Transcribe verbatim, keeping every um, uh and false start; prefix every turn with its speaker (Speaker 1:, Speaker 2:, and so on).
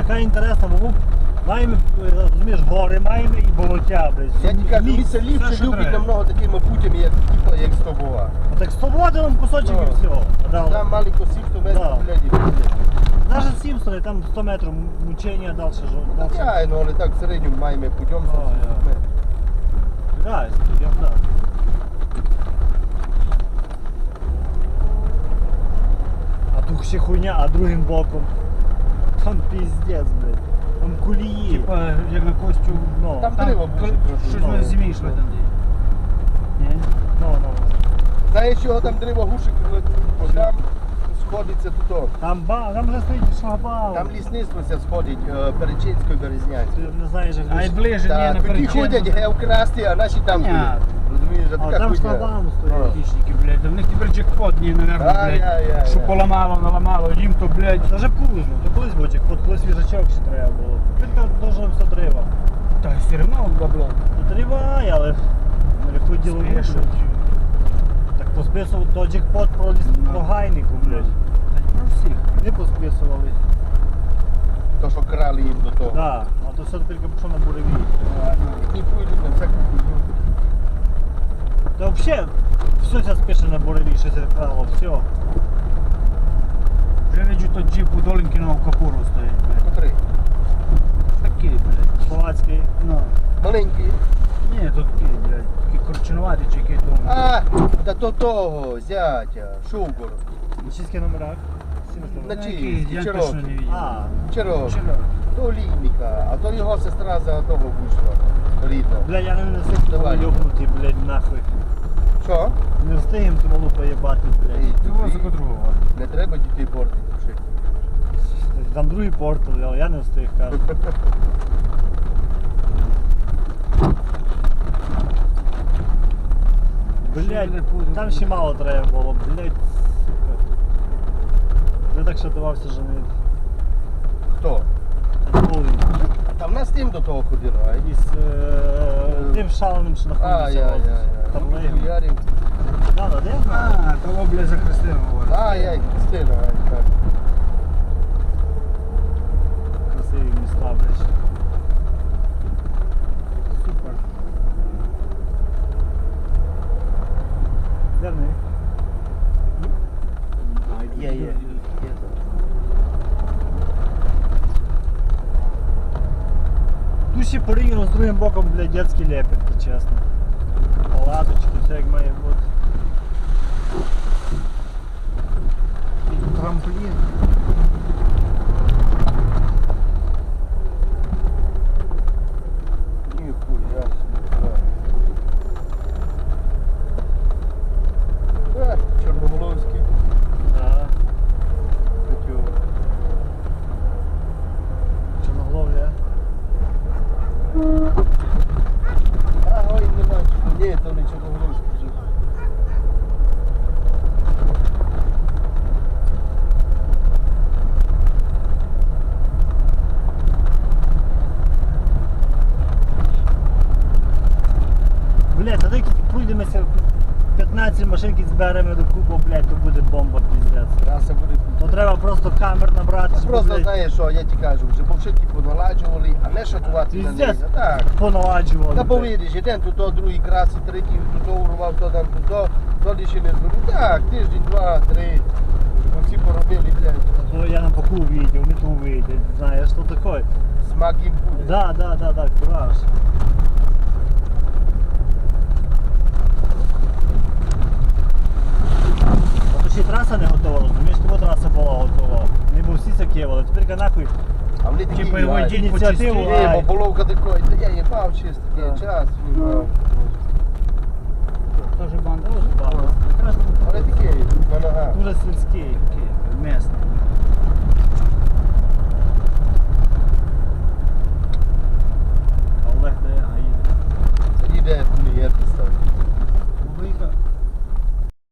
Speaker 1: така інтересна, бо маємо, розумієш, гори маємо і болотя, блядь.
Speaker 2: Я тільки кажу,
Speaker 1: Ліс.
Speaker 2: місце ліпше
Speaker 3: все, що
Speaker 2: любить
Speaker 3: треба.
Speaker 2: намного такими путями, як, типу, як Стобова.
Speaker 1: А так свободи нам кусочок
Speaker 2: Ну.
Speaker 1: і все. Да,
Speaker 2: Там маленько сімсот
Speaker 1: Да.
Speaker 2: метрів, блядь, і блядь.
Speaker 1: навіть Сімпсони, там сто метрів мучення далі.
Speaker 2: Так, я, ну, але так в середньому маємо путем
Speaker 1: А,
Speaker 2: сімсот
Speaker 1: я.
Speaker 2: метрів.
Speaker 1: Да, я да. А тут ще хуйня, а другим боком. Там піздець, блядь. Там кулії.
Speaker 3: Типа, як на Костю.
Speaker 1: Ну,
Speaker 2: Там
Speaker 3: Там
Speaker 2: дерево
Speaker 3: кр-
Speaker 2: буде
Speaker 3: щось
Speaker 1: ну,
Speaker 3: на зимі йшли там. де. Ні?
Speaker 1: ну, ну.
Speaker 2: Знаєш, чого там дерево гушик, бо там сходиться тут.
Speaker 1: Там, ба, там вже стоїть шлагбаум.
Speaker 2: Там лісництво ся сходить, е, Перечинською,
Speaker 1: Ти
Speaker 2: Березнянською.
Speaker 1: не знаєш, як
Speaker 3: А й
Speaker 1: лиш-
Speaker 3: ближе, ні,
Speaker 2: Так,
Speaker 3: на
Speaker 2: тоді
Speaker 3: Перечинку.
Speaker 2: ходять геокрасти, а наші там
Speaker 3: Понятно.
Speaker 2: ходять. Розумієш, а
Speaker 1: А
Speaker 2: така
Speaker 1: там
Speaker 2: хуйня.
Speaker 1: шлагбаум
Speaker 2: Ну.
Speaker 1: стоїть.
Speaker 3: Хищники, блядь, да в них тепер джекпот, ні, наверно,
Speaker 2: Ай-яй-яй-яй.
Speaker 3: блядь. Що поламало, наламало, їм то, блядь.
Speaker 1: Це вже колись, то колись був джекпот, колись свіжачок ще треба було. Тепер дуже все треба.
Speaker 3: Та все одно бабло.
Speaker 1: Ну триває, але не ходіло
Speaker 3: Спішуть.
Speaker 1: Так посписував то джекпот про, ліс...
Speaker 3: Ну.
Speaker 1: про гайнику, блядь.
Speaker 3: Та й про всіх.
Speaker 1: Не посписували.
Speaker 2: То, що крали їм до того.
Speaker 1: Да, а то все тепер пішло на буревій.
Speaker 2: І пойдуть на всяку хуйню.
Speaker 1: Та взагалі, все це спише на буревій, що це крало, все.
Speaker 3: Вже виджу то джип у Долінкіного капуру стоїть, блядь.
Speaker 2: Котрий?
Speaker 3: Такий, блядь.
Speaker 1: Словацький.
Speaker 3: Ну.
Speaker 2: Маленький.
Speaker 3: Ні, то такий, блядь. Такий корчинуватий чи який там.
Speaker 2: А, та то того, зятя, Шугор.
Speaker 1: На чистих номерах.
Speaker 2: На
Speaker 3: Ну,
Speaker 2: чиї?
Speaker 3: який, я
Speaker 2: Чирокі.
Speaker 3: точно не видів.
Speaker 1: А,
Speaker 2: Чирок.
Speaker 3: Чирок.
Speaker 2: То Лійника, а то його сестра за того вийшла. Рідна.
Speaker 1: бля, я не встиг
Speaker 2: Давай.
Speaker 1: того йобнути, блядь, нахуй.
Speaker 2: Що?
Speaker 1: Не встигем ту малу поєбати, блядь.
Speaker 2: Ей,
Speaker 3: Цього за
Speaker 2: тобі
Speaker 3: котрого.
Speaker 2: Не треба дітей портити. Шик.
Speaker 1: Там другий портал, але я не встиг, кажу. Блядь, там ще мало треба було, блядь, сука. Я так шатувався женити.
Speaker 2: Хто? Та в нас тим до того ходило, а
Speaker 1: Із е, тим шаленим, що
Speaker 2: А,
Speaker 1: знаходиться.
Speaker 2: я,
Speaker 1: от,
Speaker 2: я, я.
Speaker 1: Там
Speaker 2: Ну,
Speaker 1: легом.
Speaker 2: хуярів.
Speaker 1: Да, да, де я знаю?
Speaker 3: А, того, блядь, за Христину говорить.
Speaker 2: А, я, Христина, а, так.
Speaker 1: Красиві міста, блядь. Супер. Де вони?
Speaker 2: Є, є. Є.
Speaker 1: Тут ще порівняно з другим боком, блядь, детський лепет, чесно. Палаточки, все як має бути. І трамплін.
Speaker 2: Ніхуя собі. А, Чорноголовський.
Speaker 1: Да.
Speaker 2: Хотів.
Speaker 1: Чорногловля.
Speaker 2: А, ой, нема. Ні, то не Чорноголовський вже.
Speaker 1: Блядь, тоді пройдемося п'ятнадцять машинки зберемо до купу, блядь, то буде бомба, піздець.
Speaker 2: Траса буде.
Speaker 1: То треба просто камер набрати, щоб,
Speaker 2: Просто
Speaker 1: блядь,
Speaker 2: знаєш що, я ті кажу, вже повшитки поналаджували, а не шатувати на неї.
Speaker 1: Піздець.
Speaker 2: Так.
Speaker 1: поналаджували.
Speaker 2: Та
Speaker 1: блядь.
Speaker 2: повідиш, один тут, то, другий краси, третій тут то урвав, то там тут, то, то лише не зробив. Так, тиждень, два, три. Ми всі поробили, блядь.
Speaker 1: То я на боку увидел, не то увидел, знаешь, что такое?
Speaker 2: Смак їм буде.
Speaker 1: Да, да, да, да, кураж. А то ще й траса не готова, розумієш, тому траса була готова. Не був всі кевали, тепер нахуй
Speaker 2: А вони такі,
Speaker 3: Типа його
Speaker 2: ай,
Speaker 3: діть
Speaker 1: ініціативу,
Speaker 3: почистили.
Speaker 2: Ні,
Speaker 1: ай.
Speaker 2: бо половка такої, та я їбав чисто,
Speaker 1: Да.
Speaker 2: є час, їбав.
Speaker 3: Тоже банда.
Speaker 1: Дуже багато.
Speaker 2: Але такий, на ногах.
Speaker 1: Дуже сільський.